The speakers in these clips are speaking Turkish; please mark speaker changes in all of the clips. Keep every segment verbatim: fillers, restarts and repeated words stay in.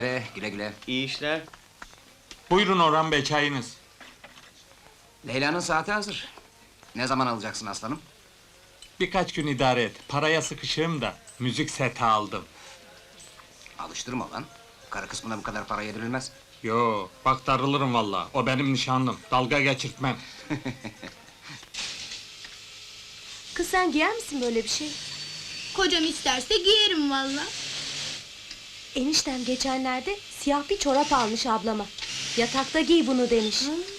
Speaker 1: Ee, güle güle.
Speaker 2: İyi işler.
Speaker 3: Buyurun Orhan Bey, çayınız.
Speaker 1: Leyla'nın saati hazır. Ne zaman alacaksın aslanım?
Speaker 3: Birkaç gün idare et. Paraya sıkışığım da müzik seti aldım.
Speaker 1: Alıştırma lan. Karı kısmına bu kadar para yedirilmez.
Speaker 3: Yo, bak darılırım vallahi. O benim nişanlım. Dalga geçirtmem.
Speaker 4: Kız sen giyer misin böyle bir şey?
Speaker 5: Kocam isterse giyerim valla.
Speaker 4: Eniştem geçenlerde siyah bir çorap almış ablama. Yatakta giy bunu demiş.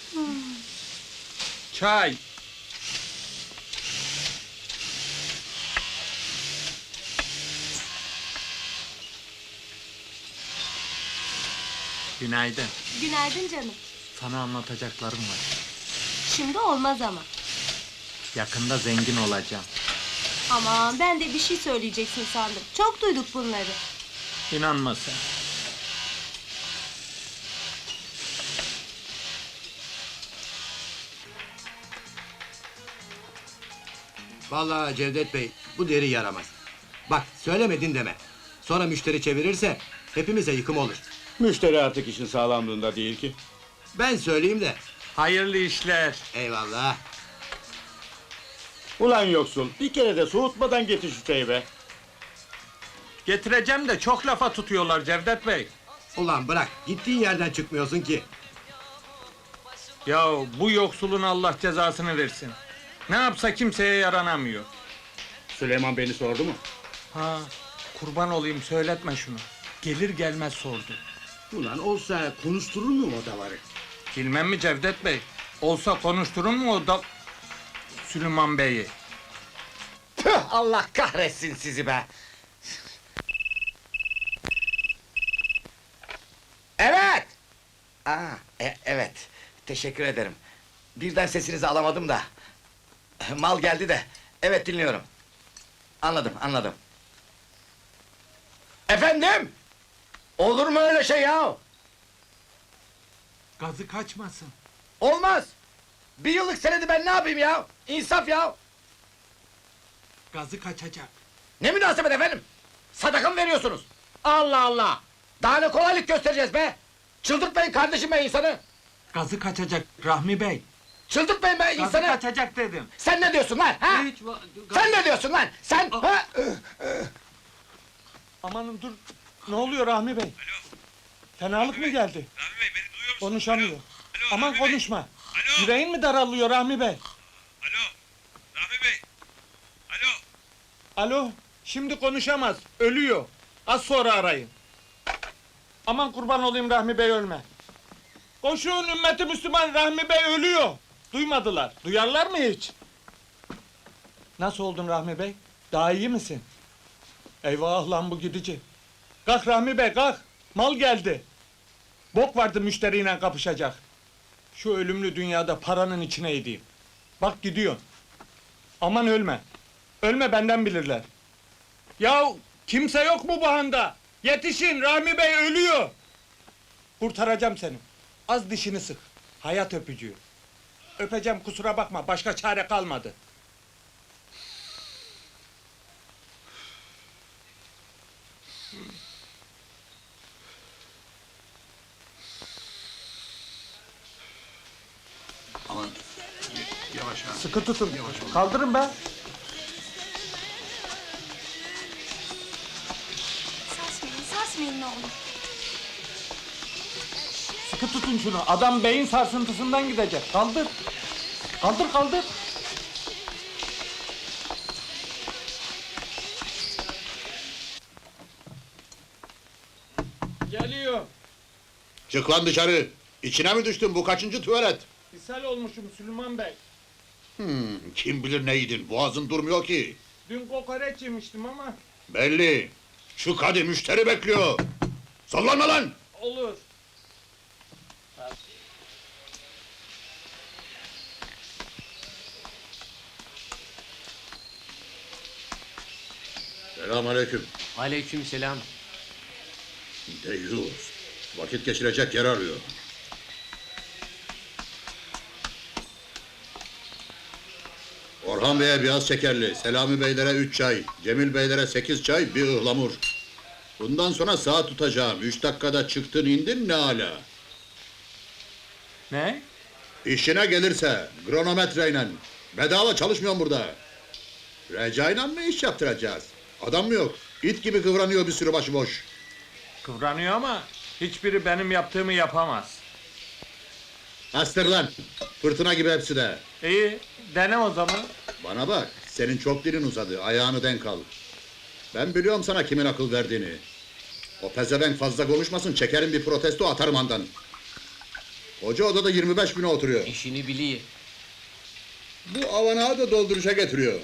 Speaker 3: Çay. Günaydın.
Speaker 4: Günaydın canım.
Speaker 3: Sana anlatacaklarım var.
Speaker 4: Şimdi olmaz ama.
Speaker 3: Yakında zengin olacağım.
Speaker 4: Aman ben de bir şey söyleyeceksin sandım. Çok duyduk bunları.
Speaker 3: İnanma sen.
Speaker 6: Vallahi Cevdet Bey, bu deri yaramaz. Bak, söylemedin deme. Sonra müşteri çevirirse, hepimize yıkım olur.
Speaker 2: Müşteri artık işin sağlamlığında değil ki.
Speaker 6: Ben söyleyeyim de,
Speaker 3: Hayırlı işler.
Speaker 6: eyvallah.
Speaker 2: Ulan yoksul, bir kere de soğutmadan getir şu çayı be.
Speaker 3: Getireceğim de çok lafa tutuyorlar Cevdet Bey.
Speaker 6: Ulan bırak, gittiğin yerden çıkmıyorsun ki.
Speaker 3: Ya bu yoksulun Allah cezasını versin. Ne yapsa kimseye yaranamıyor.
Speaker 2: Süleyman beni sordu mu?
Speaker 3: Ha, kurban olayım söyletme şunu. Gelir gelmez sordu.
Speaker 6: Ulan olsa konuşturur mu o davarı?
Speaker 3: Bilmem mi Cevdet Bey? Olsa konuşturun mu o da... Süleyman Bey'i?
Speaker 7: Tüh, Allah kahretsin sizi be! Evet! Aa, e- evet, teşekkür ederim. Birden sesinizi alamadım da. Mal geldi de, evet dinliyorum. Anladım, anladım. Efendim? Olur mu öyle şey ya?
Speaker 3: Gazı kaçmasın.
Speaker 7: Olmaz! Bir yıllık senedi ben ne yapayım ya? İnsaf ya!
Speaker 3: Gazı kaçacak.
Speaker 7: Ne münasebet efendim? Sadaka mı veriyorsunuz? Allah Allah! Daha ne kolaylık göstereceğiz be! Çıldırtmayın kardeşim be insanı!
Speaker 3: Gazı kaçacak Rahmi Bey.
Speaker 7: Çıldırtmayın be
Speaker 3: Gazı
Speaker 7: insanı!
Speaker 3: kaçacak dedim.
Speaker 7: Sen ne diyorsun lan ha?
Speaker 3: Hiç va- gaz-
Speaker 7: Sen ne diyorsun lan? Sen ha?
Speaker 3: Amanın dur. Ne oluyor Rahmi Bey? Fenalık mı geldi?
Speaker 8: Rahmi Bey beni duyuyor musun?
Speaker 3: Konuşamıyor.
Speaker 8: Alo, alo,
Speaker 3: Aman
Speaker 8: Rahmi Bey.
Speaker 3: konuşma.
Speaker 8: Alo.
Speaker 3: Yüreğin mi daralıyor Rahmi Bey?
Speaker 8: Alo. Rahmi Bey. Alo.
Speaker 3: Alo, şimdi konuşamaz, ölüyor. Az sonra arayın. Aman kurban olayım Rahmi Bey ölme. Koşun ümmeti Müslüman, Rahmi Bey ölüyor. Duymadılar, duyarlar mı hiç? Nasıl oldun Rahmi Bey? Daha iyi misin? Eyvah lan bu gidici. Kalk Rahmi Bey kalk, mal geldi. Bok vardı müşteriyle kapışacak. Şu ölümlü dünyada paranın içine edeyim. Bak gidiyor. Aman ölme. Ölme benden bilirler. Yahu kimse yok mu bu handa? Yetişin Rahmi Bey ölüyor. Kurtaracağım seni. Az dişini sık. Hayat öpücüğü. Öpeceğim kusura bakma başka çare kalmadı.
Speaker 6: Aman, yavaş ha.
Speaker 3: Sıkı tutun. Kaldırın be.
Speaker 5: Sarsmayın, sarsmayın ne olur.
Speaker 3: Sıkı tutun şunu. Adam beyin sarsıntısından gidecek. Kaldır. Kaldır kaldır. Geliyor.
Speaker 9: Çık lan dışarı! İçine mi düştün, bu kaçıncı tuvalet?
Speaker 3: İshal olmuşum Süleyman Bey.
Speaker 9: Hmm, kim bilir ne yedin, boğazın durmuyor ki.
Speaker 3: Dün kokoreç yemiştim ama
Speaker 9: Belli! Çık hadi, müşteri bekliyor! Sallanma lan!
Speaker 3: olur.
Speaker 9: Selamünaleyküm.
Speaker 2: Aleykümselam.
Speaker 9: Deyyus! Vakit geçirecek yer arıyor. Orhan Bey'e biraz şekerli, Selami Beylere üç çay, Cemil Beylere sekiz çay, bir ıhlamur. Bundan sonra saat tutacağım. Üç dakikada çıktın indin ne ala.
Speaker 3: Ne?
Speaker 9: İşine gelirse kronometreyle. Bedava çalışmıyorum burada. Recai'yle mı iş yaptıracağız? Adam mı yok? İt gibi kıvranıyor bir sürü başıboş.
Speaker 3: Kıvranıyor ama hiçbiri benim yaptığımı yapamaz.
Speaker 9: Astır lan! Fırtına gibi hepsi de.
Speaker 3: İyi, dene o zaman.
Speaker 9: Bana bak, senin çok dilin uzadı, ayağını denk al. Ben biliyorum sana kimin akıl verdiğini. O pezevenk fazla konuşmasın, çekerim bir protesto atarım andan. Hoca odada yirmi beş bine oturuyor.
Speaker 1: İşini biliyor.
Speaker 9: Bu avanağı da dolduruşa getiriyor.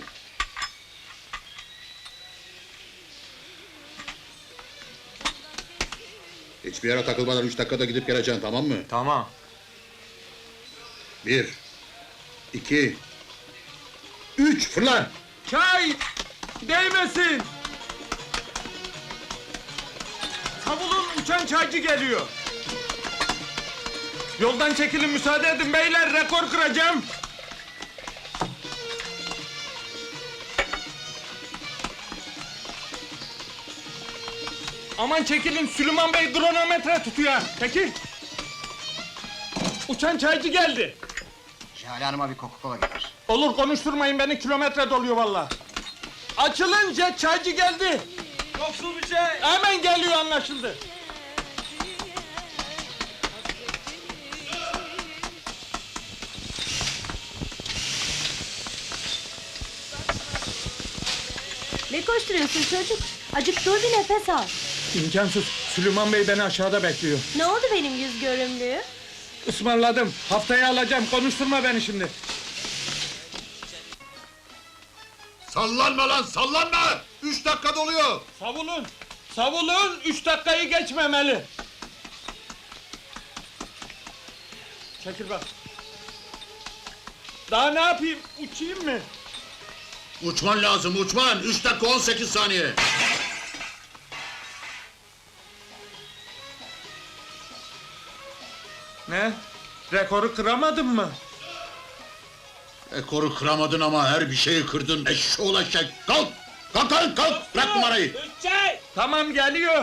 Speaker 9: Hiçbir yere takılmadan üç dakikada gidip geleceksin, tamam mı?
Speaker 3: Tamam.
Speaker 9: Bir, iki, üç, fırla!
Speaker 3: Çay! Değmesin! Savulun, uçan çaycı geliyor. Yoldan çekilin, müsaade edin beyler, rekor kıracağım. Aman çekilin, Süleyman Bey kronometre tutuyor. Çekil! Uçan çaycı geldi.
Speaker 1: Jale Hanım'a bir Coca-Cola getir.
Speaker 3: Olur, konuşturmayın beni, kilometre doluyor vallahi. Açılın, jet çaycı geldi. Yoksul bir şey. Hemen geliyor, anlaşıldı.
Speaker 4: Ne koşturuyorsun çocuk? Acık dur bir nefes al.
Speaker 3: İmkansız, Süleyman Bey beni aşağıda bekliyor.
Speaker 4: Ne oldu benim yüz görümlüğü?
Speaker 3: Ismarladım, haftaya alacağım, konuşturma beni şimdi.
Speaker 9: Sallanma lan, sallanma! Üç dakika doluyor!
Speaker 3: Savulun, savulun, üç dakikayı geçmemeli. Çekil bak. Daha ne yapayım, uçayım mı?
Speaker 9: Uçman lazım, uçman! Üç dakika on sekiz saniye!
Speaker 3: Ne? Rekoru kıramadın mı?
Speaker 9: Ekoru kıramadın ama her bir şeyi kırdın, eşşoğlu eşek! Kalk! Kalk kalk kalk! Bırak numarayı!
Speaker 3: Tamam, geliyor.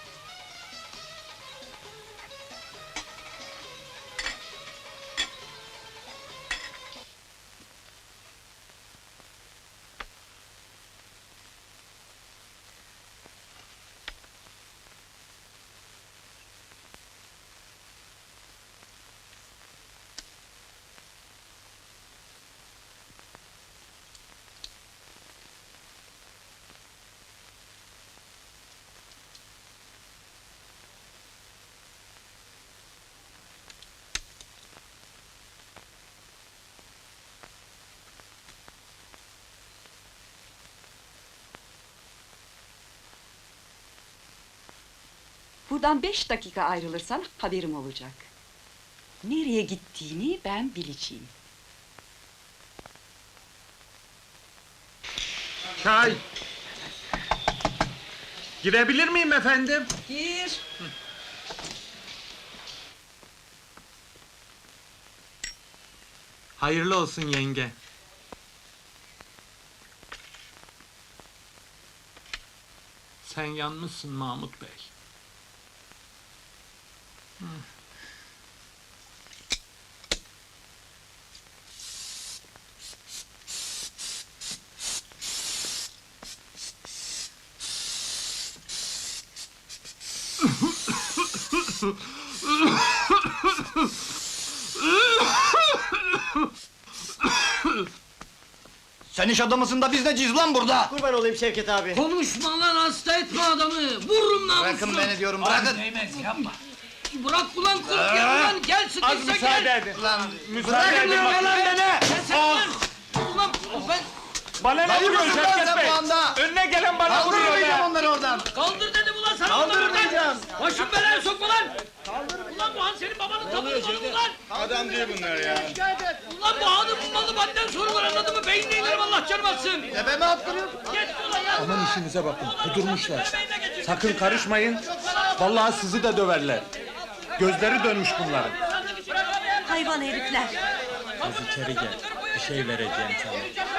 Speaker 10: Buradan beş dakika ayrılırsan haberim olacak. Nereye gittiğini ben bileceğim.
Speaker 3: Çay. Girebilir miyim efendim?
Speaker 10: Gir.
Speaker 3: Hayırlı olsun yenge. Sen yanmışsın Mahmut Bey. Hı.
Speaker 7: Sen iş adamısın da biz neciyiz lan burada?
Speaker 6: Kurban olayım Şevket abi.
Speaker 11: Konuşma lan, hasta etme adamı! Vururum namusunu!
Speaker 7: Bırakın beni diyorum, bırakın!
Speaker 11: Bırak ulan kurt ya ulan! Gel
Speaker 3: Az
Speaker 11: sıkışsa
Speaker 3: müsaade
Speaker 11: gel!
Speaker 3: edin.
Speaker 7: Lan
Speaker 3: Müsaade edin.
Speaker 7: bırakın lan beni!
Speaker 11: Kesin lan! Ulan ben
Speaker 3: Bana ne
Speaker 7: Lan
Speaker 3: vuruyorsun
Speaker 7: vurursun lan
Speaker 3: Şevket
Speaker 7: sen
Speaker 3: Bey?
Speaker 7: bu anda!
Speaker 3: Önüne gelen bana vuruyor
Speaker 7: Kaldırmayacağım
Speaker 3: be.
Speaker 7: onları oradan!
Speaker 11: kaldır dedim ulan sana!
Speaker 7: Kaldırmayacağım!
Speaker 11: Başım belaya sokma lan! Ulan bu han senin babanın tabanı malı ulan!
Speaker 3: Adam değil bunlar ya.
Speaker 11: Ulan bu hanın malı madden sorular anladın mı? Beynine inerim Allah canım atsın!
Speaker 7: Tepeme attırıyorsun!
Speaker 11: Geç ulan ya!
Speaker 3: Aman işinize bakın, kudurmuşlar.
Speaker 11: Beynine geçir.
Speaker 3: Sakın karışmayın. Vallahi sizi de döverler. Gözleri dönmüş bunların.
Speaker 4: Hayvan herifler.
Speaker 3: Az içeri gel. Bir şey vereceğim sana.